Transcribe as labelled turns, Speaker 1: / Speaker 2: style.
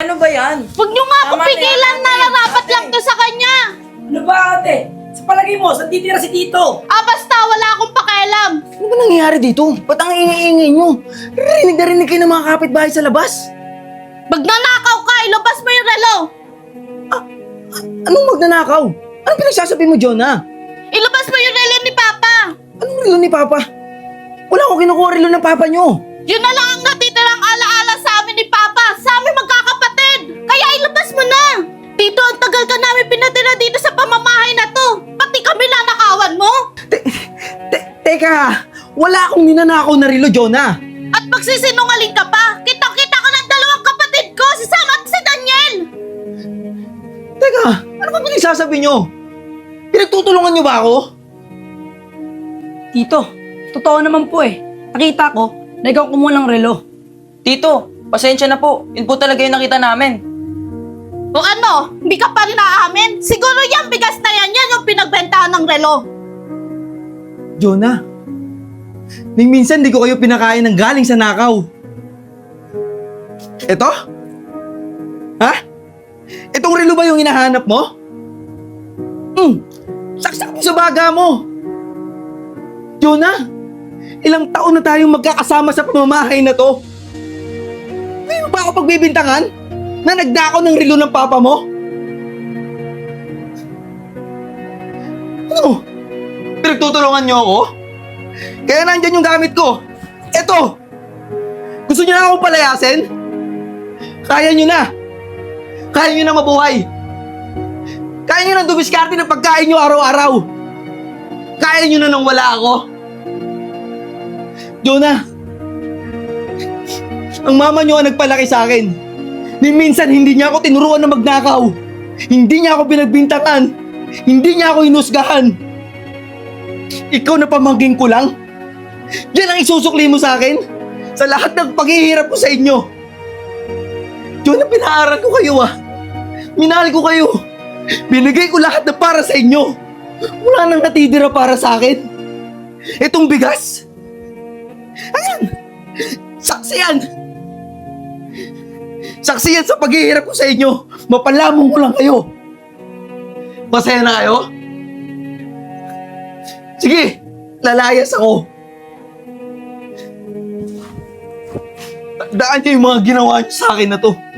Speaker 1: ano ba yan?
Speaker 2: Huwag niyo nga ako
Speaker 1: Tama na yan,
Speaker 2: pigilan,
Speaker 1: ate.
Speaker 2: nararapat
Speaker 1: Ate.
Speaker 2: lang to sa kanya.
Speaker 3: Ano ba ate? Sa palagay mo, saan titira si Tito?
Speaker 2: Basta wala akong pakialam.
Speaker 4: Ano ba nangyayari dito? Ba't ang ingay-ingay nyo? Rinig na rinig kayo ng mga kapitbahay sa labas.
Speaker 2: Magnanakaw ka, ilabas mo yung relo.
Speaker 4: Anong magnanakaw? Anong pinagsasabi mo, Jonah?
Speaker 2: Ilabas mo yung relo ni Papa.
Speaker 4: Anong relo ni Papa? Wala akong kinukuha relo ng Papa nyo.
Speaker 2: Yun na lang ang natitirang alaala sa amin ni Papa, sa amin magkakapatid. Kaya ilabas mo na. Tito, ang tagal ka namin pinatira dito sa pamamahay na to. Pati kami nanakawan mo.
Speaker 4: Teka, wala akong ninanakaw na relo, Jonah.
Speaker 2: At magsisinungaling ka pa. Kitang-kita ka ng dalawang kapatid ko, si Sam at si Daniel.
Speaker 4: Teka, ano ba pinagsasabi nyo? Pinagtutulungan nyo ba ako?
Speaker 1: Tito, totoo naman po eh. Nakita ko na ikaw kumuha ng relo.
Speaker 5: Tito, pasensya na po. Yun po talaga yung nakita namin.
Speaker 2: O ano, hindi ka pa rin aamin? Siguro yan, bigas na yan yung pinagbentahan ng relo.
Speaker 4: Jonah, ning minsan di ko kayo pinakain ng galing sa nakaw. Ito? Ha? Itong relo ba yung hinahanap mo? Saksak mo sa baga mo. Jonah, ilang taon na tayong magkakasama sa pamamahay na to. Hindi mo ba ako pagbibintangan na nagdakaw ng relo ng papa mo? Ano? Pinagtutulungan niyo ako? Kaya nandyan yung gamit ko. Eto! Gusto niyo na akong palayasin? Kaya niyo na! Kaya niyo na mabuhay! Kaya niyo na dumiskarte ng pagkain niyo araw-araw! Kaya niyo na nang wala ako! Jonah! Ang mama niyo ang nagpalaki sa akin. Ni minsan hindi niya ako tinuruan na magnakaw. Hindi niya ako pinagbintangan. Hindi niya ako inusgahan. Ikaw na pamangking ko lang? Yan ang isusukli mo sa akin? Sa lahat ng paghihirap ko sa inyo? Jonah, pinaaral ko kayo Minahal ko kayo. Binigay ko lahat na para sa inyo. Wala nang natitira para sa akin. Itong bigas. Ayan! Saksi yan! Saksi yan sa paghihirap ko sa inyo. Mapalamong ko lang kayo. Masaya na kayo? Sige, lalayas ako. Daan niyo yung mga ginawa niyo sa akin na to.